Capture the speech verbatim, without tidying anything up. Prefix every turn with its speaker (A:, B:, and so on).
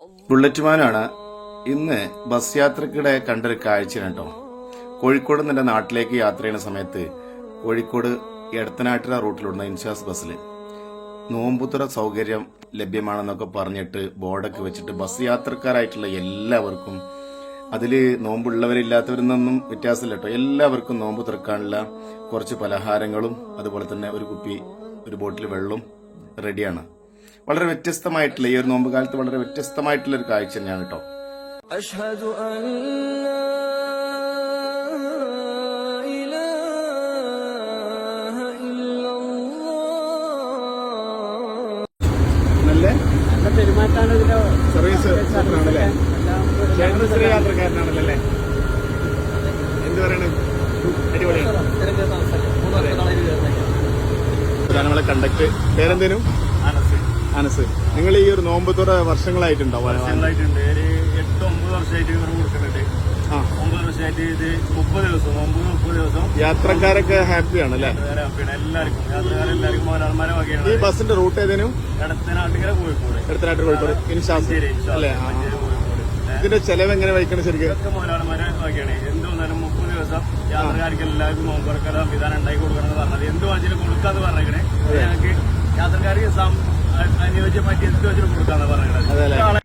A: ബുള്ളറ്റ്മാനാണ്. ഇന്ന് ബസ് യാത്രക്കിടെ കണ്ടൊരു കാഴ്ചയാണ് കേട്ടോ. കോഴിക്കോട് നിന്ന് എൻ്റെ നാട്ടിലേക്ക് യാത്ര ചെയ്യുന്ന സമയത്ത് കോഴിക്കോട് എടത്തനാട്ടിര റൂട്ടിലുള്ള ഇൻഷാസ് ബസ്സിൽ നോമ്പുതുറ സൗകര്യം ലഭ്യമാണെന്നൊക്കെ പറഞ്ഞിട്ട് ബോർഡൊക്കെ വെച്ചിട്ട് ബസ് യാത്രക്കാരായിട്ടുള്ള എല്ലാവർക്കും, അതിൽ നോമ്പുള്ളവരില്ലാത്തവരെന്നൊന്നും വ്യത്യാസമില്ല കേട്ടോ, എല്ലാവർക്കും നോമ്പ് തുറക്കാനുള്ള കുറച്ച് പലഹാരങ്ങളും അതുപോലെ തന്നെ ഒരു കുപ്പി ഒരു ബോട്ടിൽ വെള്ളവും റെഡിയാണ്. വളരെ വ്യത്യസ്തമായിട്ടുള്ള ഈ ഒരു നോമ്പ് കാലത്ത് വളരെ വ്യത്യസ്തമായിട്ടുള്ള ഒരു കാഴ്ച തന്നെയാണ് കേട്ടോ. സർവീസ് യാത്രക്കാരനാണല്ലേ, എന്ത് പറയണ അടിപൊളിയാണ്. നമ്മളെ കണ്ടക്ട് പേരെന്തേനും അനസ്. നിങ്ങൾ ഈ ഒരു നോമ്പ് തുറ വർഷങ്ങളായിട്ടുണ്ടോ?
B: വർഷങ്ങളായിട്ടുണ്ട്. ഒരു എട്ട് ഒമ്പത് വർഷമായിട്ട് ഇവർ കൊടുക്കുന്നുണ്ട്. ഒമ്പത് വർഷമായിട്ട് ഇത് മുപ്പത് ദിവസം നോമ്പ് മുപ്പത് ദിവസം.
A: യാത്രക്കാരൊക്കെ ഹാപ്പിയാണ് അല്ലേ?
B: ഹാപ്പിയാണ് എല്ലാവർക്കും, യാത്രക്കാരെല്ലാവർക്കും മോനാൾമാരെ വകയാണ്.
A: ഈ ബസിന്റെ റൂട്ട് ഏതേനും?
B: എടത്തനാട്ടുകര കോഴിക്കോട്.
A: എടത്തനാട്ടുകര കോഴിക്കോട് ഇൻഷാസ് അല്ലേ? ഇതിന്റെ ചെലവ് എങ്ങനെ വഹിക്കണം ശരിക്കും?
B: ഇതൊക്കെ മോനാൾമാരെ വകയാണ്. എന്ത് വന്നാലും മുപ്പത് ദിവസം യാത്രക്കാർക്ക് എല്ലാവർക്കും നോമ്പ് തുറക്കാൻ സംവിധാനം ഉണ്ടാക്കി കൊടുക്കണം എന്ന് പറഞ്ഞത്. എന്ത് വാങ്ങിച്ചാലും കൊടുക്കാന്ന് പറഞ്ഞേക്കണേ. ഞങ്ങൾക്ക് യാത്രക്കാർക്ക് അനുയോജ്യമായിട്ട് എന്ത് വെച്ചിട്ട് കൊടുക്കാന്ന് പറഞ്ഞത്.